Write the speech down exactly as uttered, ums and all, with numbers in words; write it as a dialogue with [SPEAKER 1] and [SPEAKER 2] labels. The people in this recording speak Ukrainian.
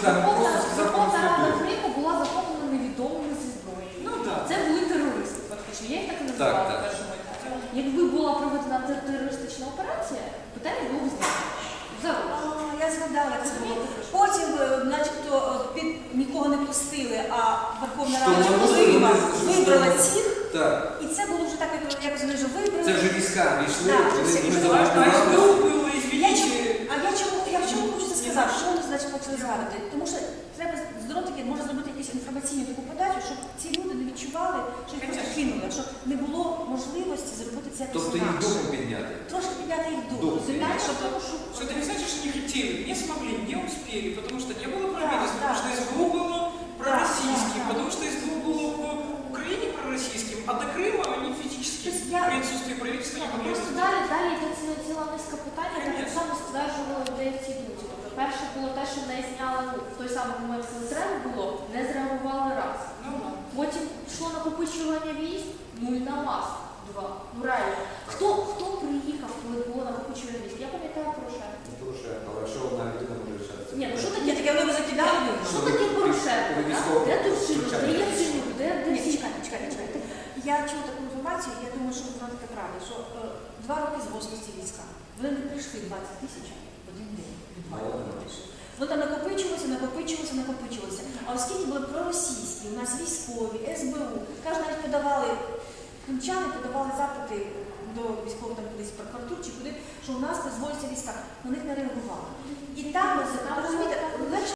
[SPEAKER 1] Верховна Рада Криму була захоплена невідомими зі зброєю.
[SPEAKER 2] Ну, так.
[SPEAKER 1] Це були терористи, фактично. Я їх так і називала
[SPEAKER 3] Так, так.
[SPEAKER 1] в першому етапі. Якби була проведена тер- терористична операція, питання було б знято. Зараз.
[SPEAKER 4] А, я згадала це було. Потім, е, начебто, е, під нікого не пустили, а Верховна Рада
[SPEAKER 3] Що вони
[SPEAKER 4] Києва
[SPEAKER 3] вони-
[SPEAKER 4] вибрала цих,
[SPEAKER 3] Так.
[SPEAKER 4] і це було вже так, як як вони вже вибрали.
[SPEAKER 3] Це вже війська війшли,
[SPEAKER 4] Так,
[SPEAKER 3] вони
[SPEAKER 4] це
[SPEAKER 3] вони
[SPEAKER 4] вже
[SPEAKER 3] заважали.
[SPEAKER 2] СБУ було,
[SPEAKER 4] Я
[SPEAKER 2] извините.
[SPEAKER 4] чому, а я чому, я чому хочу це сказати? Що вони, значить, почали згадувати? Тому що треба зробити таки, може зробити якусь інформаційну таку подачу, щоб ці люди не відчували, що їх просто кинули, що не було можливості зробити це якось
[SPEAKER 3] Тобто їх
[SPEAKER 4] інакше.
[SPEAKER 3] духом підняти.
[SPEAKER 4] Трошки підняти їх дух.
[SPEAKER 3] Дух.
[SPEAKER 4] Розумієш, щоб
[SPEAKER 2] Что это не значит, что не хотели, не смогли, не успели, потому что не было
[SPEAKER 4] Да,
[SPEAKER 2] правительства,
[SPEAKER 4] да.
[SPEAKER 2] потому что СБУ было пророссийским,
[SPEAKER 4] да, да.
[SPEAKER 2] потому что СБУ было по Украине пророссийским, а до Крыма они физически
[SPEAKER 4] То есть я-
[SPEAKER 2] при отсутствии правительства не могли
[SPEAKER 1] Просто
[SPEAKER 2] это
[SPEAKER 1] далі,
[SPEAKER 2] сделать.
[SPEAKER 1] далі йде ціла, ціла низка питань, яка так
[SPEAKER 2] Конечно.
[SPEAKER 1] само стверджувала людей в цій думці. Тобто, перше було те, що не зняли, ну, в той самий момент, коли треба було, не зреагували раз.
[SPEAKER 2] Ну, да.
[SPEAKER 1] Потім пішло накопичування військ, ну і на вас два. Ну реально. Хто, хто приїхав, коли було накопичування військ? Я пам'ятаю Порошенко.
[SPEAKER 3] Порошенко, але що одна людина може рішатися?
[SPEAKER 1] Ні, ну що
[SPEAKER 4] Є
[SPEAKER 1] таке?
[SPEAKER 4] таке, вони закидали.
[SPEAKER 1] Що таке Порошенко?
[SPEAKER 3] Коли
[SPEAKER 1] да?
[SPEAKER 3] військово-
[SPEAKER 1] Де Турчинов, де Яценюк, де, де
[SPEAKER 4] Ні,
[SPEAKER 1] всі?
[SPEAKER 4] чекайте, чекайте, чекайте. Я чула таку інформацію, я думаю, що вона така правда, що е, два роки з восьмості війська. Вони не прийшли двадцять тисяч в один день. Від два роки не прийшли. Воно там накопичувалося, накопичувалося, накопичувалося. А оскільки були проросійські, у нас військові, СБУ, каже, навіть подавали, кримчани подавали запити до військових там кудись прокуратур чи куди, що у нас дозволюється війська. На них не реагували. І там, розумієте, легше